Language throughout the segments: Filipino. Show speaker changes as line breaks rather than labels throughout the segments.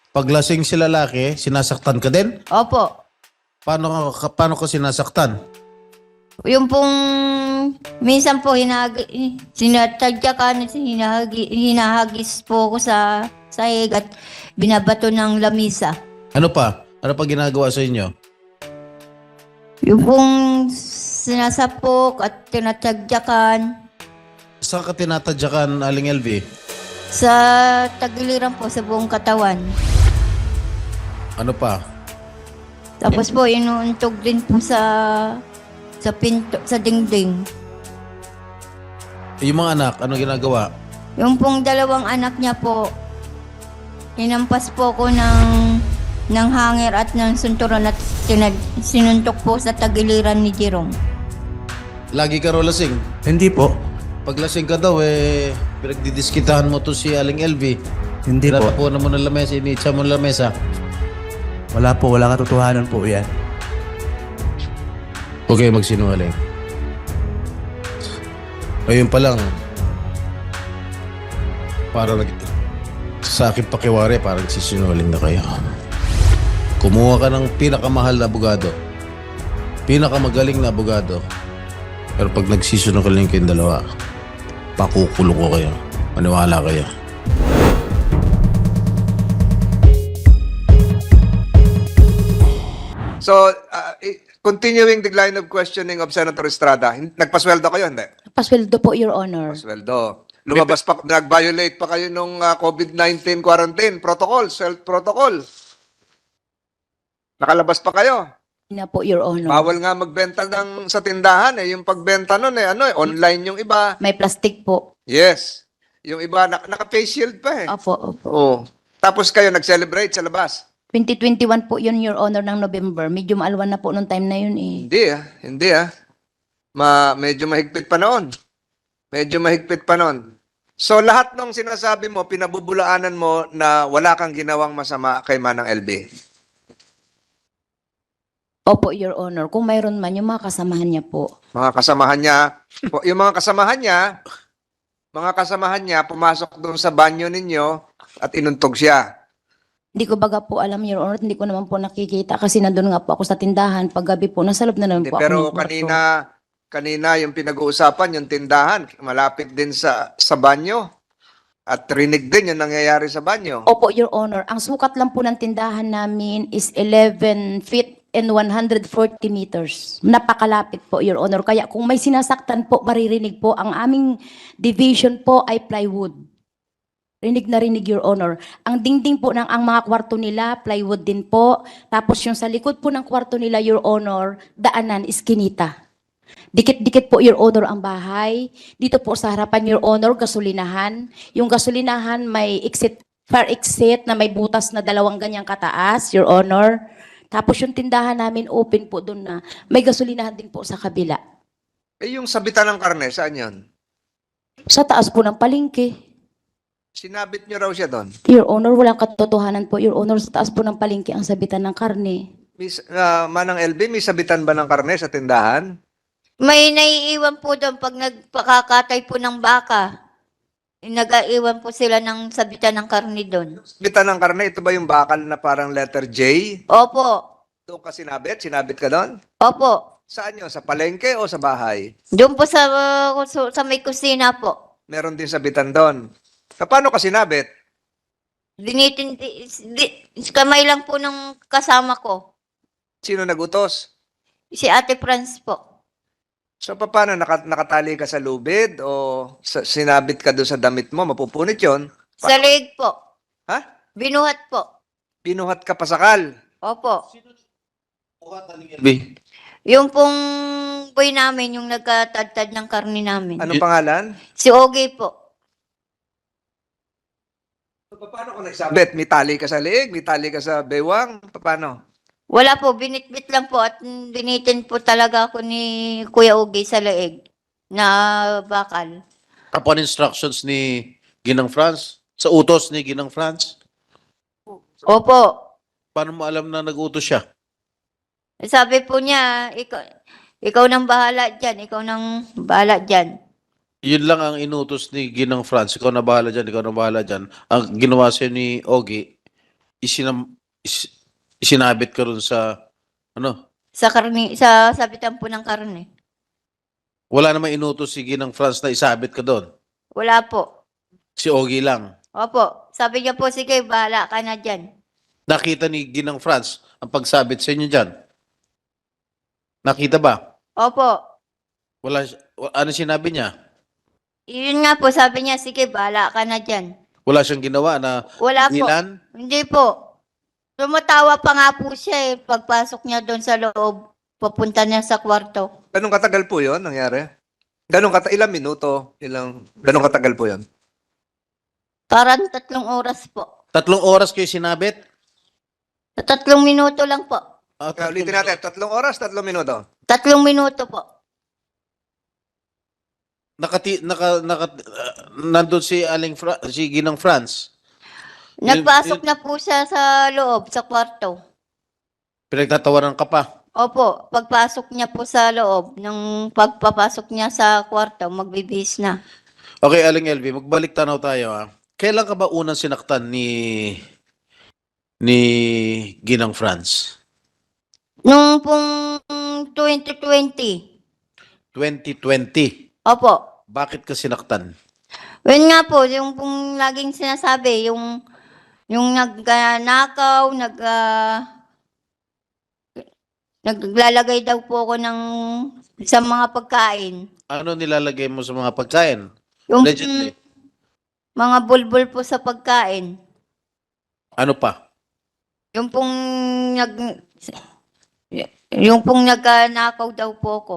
Paglasing si lalaki, sinasaktan ka din?
Opo.
Paano ka sinasaktan?
Yung pong minsan po sinatadyakan, hinahagis po ako sa sahig at binabato ng lamisa.
Ano pa? Ano pa ginagawa sa inyo?
Yung pong sinasapok at tinatadyakan
Saan ka tinatadyakan, Aling LV?
sa tagiliran po sa buong katawan.
Ano pa?
Tapos po inuuntog din po sa pinto, sa dingding.
Yung mga anak, ano ginagawa?
Yung pong dalawang anak niya po, hinampas po ko ng hanger at ng sunturon at sinuntok po sa tagiliran ni Jerome.
Lagi ka raw lasing.
Hindi po.
Pag lasing ka daw, pinagdidiskitahan mo to si Aling LV.
Hindi po.
Tinatapunan mo ng lamesa, iniitsa mo ng lamesa.
Wala po. Walang katotohanan po yan.
Huwag kayo magsinungaling. Ayun pa lang, parang sa akin pakiwari, parang sisinungaling na kayo. Kumuha ka ng pinakamahal na abogado. Pinakamagaling na abogado. Pero pag nagsisinungaling kayong dalawa, pakukulong ko kayo. Maniwala kayo.
So, continuing the line of questioning of Senator Estrada, nagpasweldo kayo, hindi?
Pasweldo po, Your Honor.
Pasweldo. Lumabas pa, nag-violate pa kayo nung COVID-19 quarantine protocol, self-protocol. Nakalabas pa kayo.
Na po, Your Honor.
Bawal nga magbenta sa tindahan yung pagbenta nun online yung iba.
May plastic po.
Yes. Yung iba, naka-face shield pa
Opo, opo.
Oo. Tapos kayo nag-celebrate sa labas.
2021 po yun, Your Honor, ng November. Medyo maalwan na po nung time na yun eh.
Hindi medyo mahigpit pa noon. Medyo mahigpit pa noon. So lahat ng sinasabi mo, pinabubulaanan mo na wala kang ginawang masama kay Manang LB.
Opo, Your Honor. Kung mayroon man, yung mga kasamahan niya po.
Mga kasamahan niya, yung mga kasamahan niya pumasok doon sa banyo ninyo at inuntog siya.
Hindi ko baga po alam, Your Honor. Hindi ko naman po nakikita kasi nandun nga po ako sa tindahan. Paggabi po, nasa loob na naman po ako
Pero
ng kwarto.
kanina yung pinag-uusapan, yung tindahan, malapit din sa banyo. At rinig din yung nangyayari sa banyo.
Opo, Your Honor. Ang sukat lang po ng tindahan namin is 11 feet and 140 meters. Napakalapit po, Your Honor. Kaya kung may sinasaktan po, maririnig po. Ang aming division po ay plywood. Rinig na rinig, Your Honor. Ang dingding po ng ang mga kwarto nila, plywood din po. Tapos yung sa likod po ng kwarto nila, Your Honor, daanan, iskinita. Dikit-dikit po, Your Honor, ang bahay. Dito po sa harapan, Your Honor, gasolinahan. Yung gasolinahan may fire exit na may butas na 2 ganyang kataas, Your Honor. Tapos yung tindahan namin open po doon na may gasolinahan din po sa kabila.
Yung sabitan ng karne, saan yun?
Sa taas po ng palengke.
Sinabit niyo raw siya doon.
Your Honor, walang katotohanan po, Your Honor. Sa taas po ng palengke ang sabitan ng karne.
Manang LB, may sabitan ba ng karne sa tindahan?
May naiiwan po doon pag nagpakakatay po ng baka. Nag-aiwan po sila ng sabitan ng karni doon.
Sabitan ng karne, ito ba yung bakal na parang letter J?
Opo.
Doon ka sinabit? Sinabit ka doon?
Opo.
Saan yun? Sa palengke o sa bahay?
Doon po sa may kusina po.
Meron din sabitan doon. Paano ka sinabit?
Kamay lang po ng kasama ko.
Sino nagutos?
Si Ate Franz po.
So paano, nakatali ka sa lubid o sinabit ka doon sa damit mo? Mapupunit yon.
Sa leeg po.
Ha?
Binuhat po.
Binuhat ka pasakal.
Opo.
LV.
Yung pong boy namin, yung nagkatadtad ng karni namin.
Anong pangalan?
Si Ogie po.
So, paano ka nagsabit? May tali ka sa leeg? May tali ka sa bewang? Paano?
Wala po, binitbit lang po at binitin po talaga ako ni Kuya Ogie sa leeg na bakal.
Upon instructions ni Ginang Franz? Sa utos ni Ginang Franz?
Opo.
Paano mo alam na nag-utos siya?
Sabi po niya, ikaw nang bahala dyan, ikaw nang bahala dyan.
Yun lang ang inutos ni Ginang Franz. Ikaw na bahala dyan, ikaw na bahala dyan. Ang ginawa siya ni Ogie, isinabit ka ron sa, ano,
Sa sabitan po ng karne.
wala namang inutos si Ginang France na isabit ka doon.
Wala po.
Si Ogie lang.
Opo. Sabi niya po, sige, bahala ka na dyan.
Nakita ni Ginang France ang pagsabit sa inyo dyan. Nakita ba?
Opo.
Ano sinabi niya?
Yun nga po, sabi niya, sige, bahala ka na dyan.
Wala siyang ginawa na
Wala po.
ilan?
Hindi po. Tumatawa pa nga po siya eh. Pagpasok niya doon sa loob, papunta niya sa kwarto.
Ganong katagal po yon nangyari? Ilang minuto? Ganong katagal po yon?
Parang 3 oras po.
3 oras kayo sinabit?
Sa 3 minuto lang po.
Ulitin natin, 3 oras, 3 minuto.
3 minuto po.
Nandun si si Ginang France.
Nagpasok na po siya sa loob, sa kwarto.
Pinagtatawanan ka pa.
Opo, pagpasok niya po sa loob, nung pagpapasok niya sa kwarto, magbibihis na.
Okay, Aling LV, magbalik tanaw tayo ha. Kailan ka ba unang sinaktan ni Ginang France?
Nung pong 2020.
2020.
Opo.
Bakit ka sinaktan?
Yun nga po, yung pong laging sinasabi, yung nagnakaw, naglalagay daw po ako sa mga pagkain.
Ano nilalagay mo sa mga pagkain?
Yung
Allegedly.
mga bulbul po sa pagkain.
Ano pa?
Yung pong nagnakaw daw po ako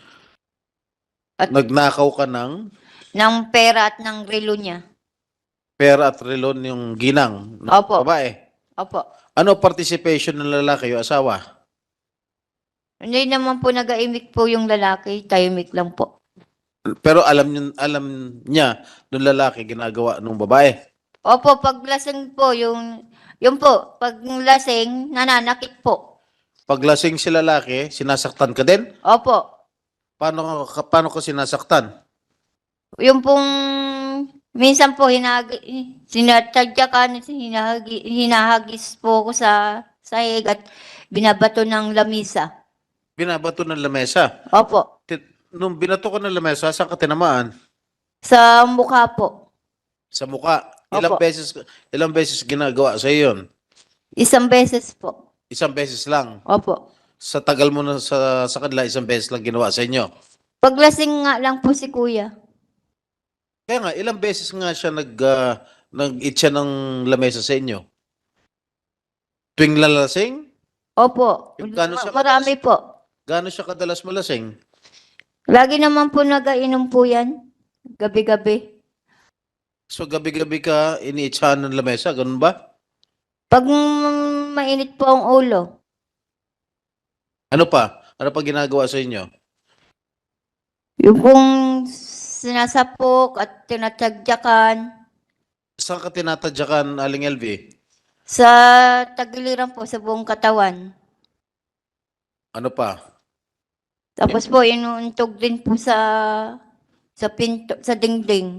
Nagnakaw ka ng
ng pera at ng relo niya.
pera at relon yung ginang.
Opo.
Babae.
Opo.
Ano participation ng lalaki o asawa?
Hindi naman po nag-aimik po yung lalaki, tahimik lang po.
Pero alam niya nung lalaki ginagawa nung babae.
Opo, pag lasing po, yung po, pag lasing, nananakit po.
Pag lasing si lalaki, sinasaktan ka din?
Opo.
Paano ka sinasaktan?
Yung pong, minsan po, sinatadyakan, hinahagis po ako sa sahig at binabato ng lamisa.
Binabato ng lamesa.
Opo.
Nung binato ko ng lamesa, saan ka tinamaan?
Sa mukha po.
Sa mukha.
Opo.
Ilang beses ginagawa sa yun?
1 beses po.
1 beses lang.
Opo.
Sa tagal mo na sa kanila, 1 beses lang ginawa sa inyo.
Paglasing nga lang po si kuya.
Kaya nga, ilang beses nga siya nag-eat siya ng lamesa sa inyo? Tuwing lalasing?
Opo.
Yung gano'n siya
Marami po.
Gaano siya kadalas malasing?
Lagi naman po nag-ainom po yan. Gabi-gabi.
So gabi-gabi ka iniitsahan ng lamesa, ganun ba?
Pag mainit po ang ulo,
Ano pa? Ano pa ginagawa sa inyo?
yung pong sinasapok at tinatagyakan
Saan ka tinatadyakan, Aling LV?
sa tagiliran po sa buong katawan.
Ano pa?
Tapos po inuuntog din po sa pinto, sa dingding.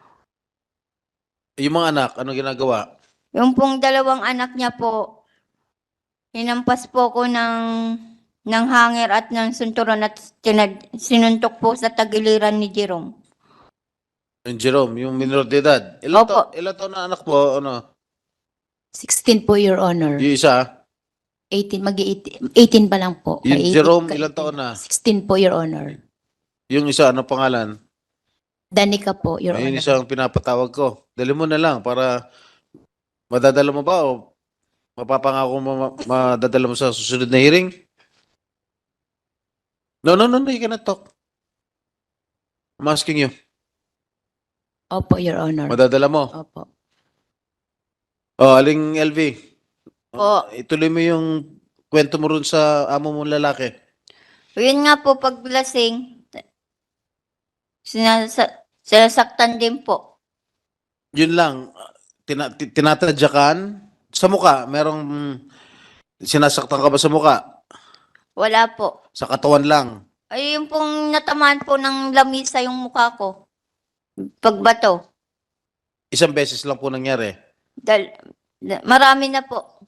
Yung mga anak, ano ginagawa?
Yung pong 2 anak niya po, hinampas po ko ng hanger at ng sunturon at sinuntok po sa tagiliran ni Jerome.
Yung Jerome, yung minor de edad.
Opo.
Ilan taon na anak mo? Ano?
16 po, Your Honor.
Yung isa?
18, mag-18 pa lang po.
Yung
May 18
Jerome,
ka-
ilan taon na?
16 po, Your Honor.
Yung isa, ano pangalan?
Danica po, Your
Ayun
Honor.
isa ang pinapatawag ko. Dali mo na lang para madadala mo ba o mapapangako mo madadala mo sa susunod na hearing? No, you cannot talk. I'm asking you.
Opo, Your Honor.
Madadala mo.
Opo.
Oh, Aling LV.
Po.
Ituloy mo yung kwento mo rin sa amo mong lalaki.
Yun nga po, pag lasing, sinasaktan din po.
Yun lang. Tinatadyakan sa muka. Merong sinasaktan ka ba sa muka?
Wala po.
Sa katawan lang.
Ay, yung pong natamaan po ng lamisa yung mukha ko. Pagbato.
1 beses lang po nangyari.
Marami na po.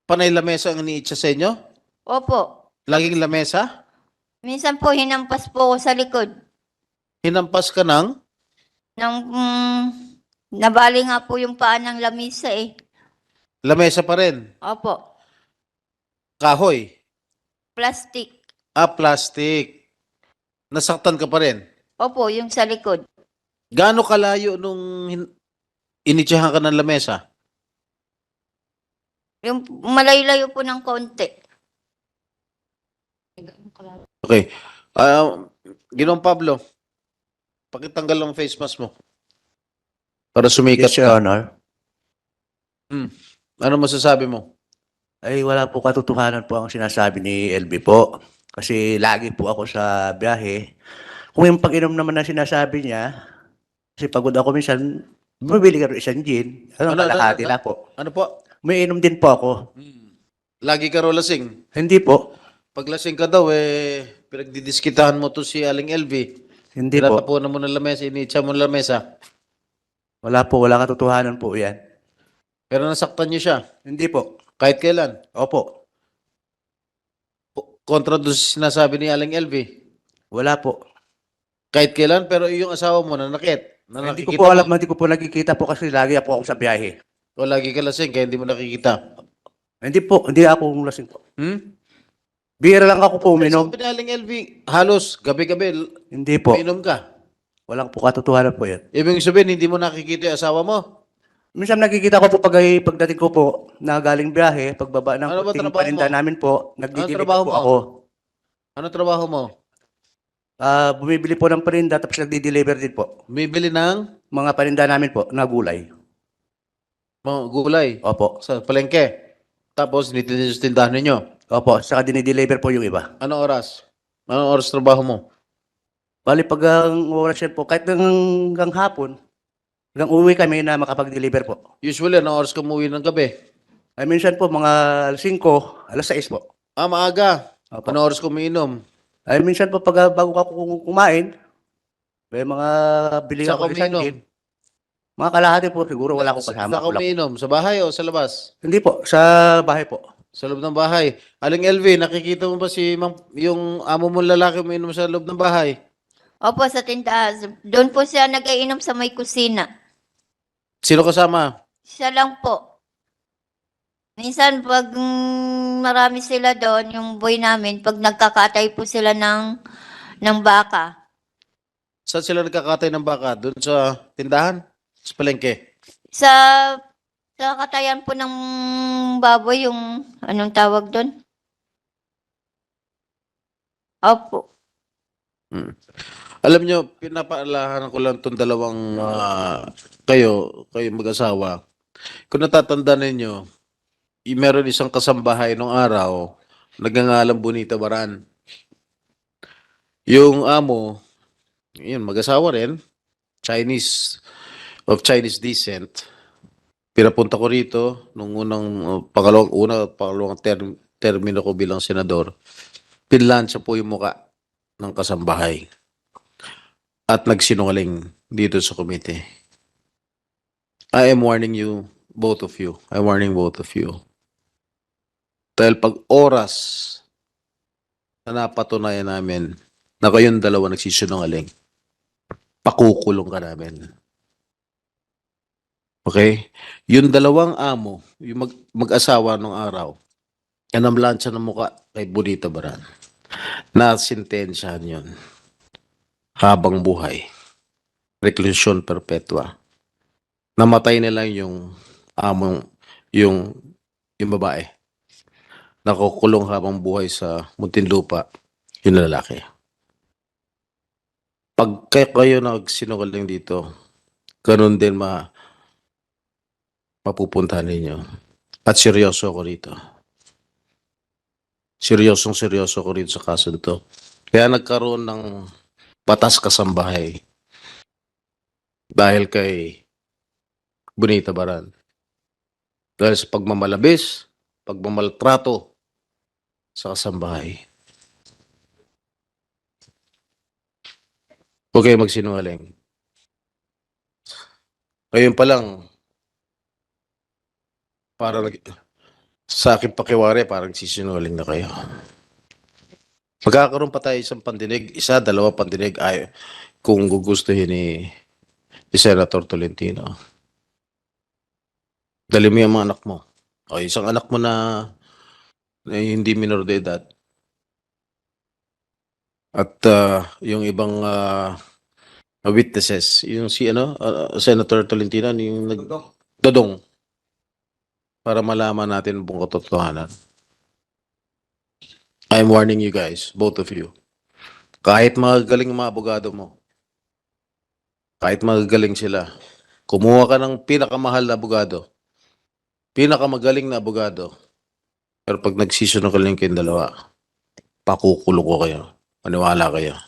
Panay lamesa ang iniitsa sa inyo?
Opo.
Laging lamesa?
Minsan po hinampas po ako sa likod.
Hinampas ka ng?
Nang nabali nga po yung paa ng lamisa eh.
Lamesa pa rin.
Opo.
Kahoy.
Plastic.
Plastic. Nasaktan ka pa rin.
Opo, yung sa likod.
Gaano kalayo nung initsahan ka ng lamesa?
Yung malayo-layo po ng konti.
Okay. Ginoong Pablo, pakitanggal ang face mask mo. Para sumikat
Yes, Your
ka.
Honor.
Ano masasabi mo?
Ay, wala po katotohanan po ang sinasabi ni LB po. Kasi lagi po ako sa biyahe. Kung yung pag-inom naman na sinasabi niya, kasi pagod ako minsan, bumibili ka rin isang gin.
Ano,
Kalahati lang po.
Ano po?
May inom din po ako.
Lagi ka raw lasing.
Hindi po.
Pag lasing ka daw, pinagdidiskitahan mo to si Aling LV.
Hindi po.
Tinatapunan mo ng lamesa, initsa mo ng lamesa.
Wala po. Wala katotohanan po yan.
Pero nasaktan niyo siya.
Hindi po.
Kahit kailan.
Opo.
Kontra doon sa sinasabi ni Aling LV.
Wala po.
Kahit kailan, pero yung asawa mo nanakit.
Hindi ko po alam, hindi ko po nakikita po kasi lagi po ako sa biyahe.
O lagi ka lasing, kaya hindi mo nakikita.
Hindi po, hindi ako lasing po. Bira lang ako po uminom.
Sabi ni Aling LV, halos gabi-gabi,
Hindi po.
uminom ka.
Walang po katotohanan po yan.
Ibig sabihin, hindi mo nakikita yung asawa mo.
Minsan nakikita ko po pagdating ko po na galing biyahe, pagbaba ng
Ano ba
kunting
trabaho
paninda
mo?
namin po, nagdideliver
trabaho
po
mo?
ako.
Ano trabaho mo?
Bumibili po ng paninda tapos nagdi-deliver din po.
Bibili ng
Mga paninda namin po na gulay.
mga gulay
Opo.
sa palengke. Tapos, nititin sa tindahan ninyo.
Opo, saka dinideliver po yung iba.
Anong oras? Anong oras trabaho mo?
Bali pag ang oras yan po, kahit hanggang hapon, hanggang uwi kami na makapag-deliver po.
Usually, anong oras ka umuwi ng gabi?
Ay minsan po mga 5, alas 6 po.
Maaga.
Opo.
Anong oras ka umiinom?
Ay minsan po pag bago ako kumain, may mga bili
Saan
ako
ka
isang
umiinom?
gin. Mga kalahati po, siguro wala akong kasama.
Saan ka umiinom? Sa bahay o sa labas?
Hindi po, sa bahay po.
Sa loob ng bahay. Aling LV, nakikita mo ba yung amo mong lalaki umiinom sa loob ng bahay?
Opo, sa tindahan. Doon po siya nag-iinom sa may kusina.
Sino kasama?
Siya lang po. Minsan pag marami sila doon, yung boy namin, pag nagkakatay po sila ng baka.
Saan sila nagkakatay ng baka? Doon sa tindahan? Sa palengke?
Sa katayan po ng baboy, yung anong tawag doon? Opo.
Alam nyo, pinapaalahan ko lang itong dalawang kayo mag-asawa. Kung natatanda ninyo, meron isang kasambahay nung araw, nagngangalang Bonita Baran. Yung amo, yun, mag-asawa rin, of Chinese descent. Pinapunta ko rito nung pangalawang termino ko bilang senador. Pinlansya po yung muka ng kasambahay. At nagsinungaling dito sa komite. I am warning you, both of you. I'm warning both of you. Dahil pag oras na napatunayan namin na kayong dalawa nagsisinungaling, pakukulong ka namin. Okay? Yung dalawang amo, yung mag-asawa nung araw, yan ang lansya ng muka kay Bonita Baran. Nasintensyahan yun. Habang buhay. Reclusion perpetua. Namatay na lang yung among, yung babae. Nakukulong habang buhay sa Muntinlupa, yung lalaki. Pag kayo nagsinungaling dito, ganun din mapupuntahan ninyo. At seryoso ko rito. Seryoso ko rito sa kaso nito. Kaya nagkaroon ng batas kasambahay dahil kay Bonita Baran. Dahil sa pagmamalabis, pagmamaltrato sa kasambahay. Huwag kayo magsinungaling. Ngayon pa lang, para Sa akin pakiwari, parang sisinungaling na kayo. Magkakaroon pa tayo isang pandinig, isa, dalawa pandinig, ay, kung gugustuhin ni Senator Tolentino. Dali mo yung mga anak mo. O isang anak mo na hindi minor de edad. At yung ibang witnesses, yung si Senator Tolentino, yung Dodong, para malaman natin buong katotohanan. I'm warning you guys, both of you. Kahit magagaling mga abogado mo, kahit magagaling sila, kumuha ka ng pinakamahal na abogado, pinakamagaling na abogado, pero pag nagsisunod ka lang kayong dalawa, pakukulong ko kayo. Maniwala kayo.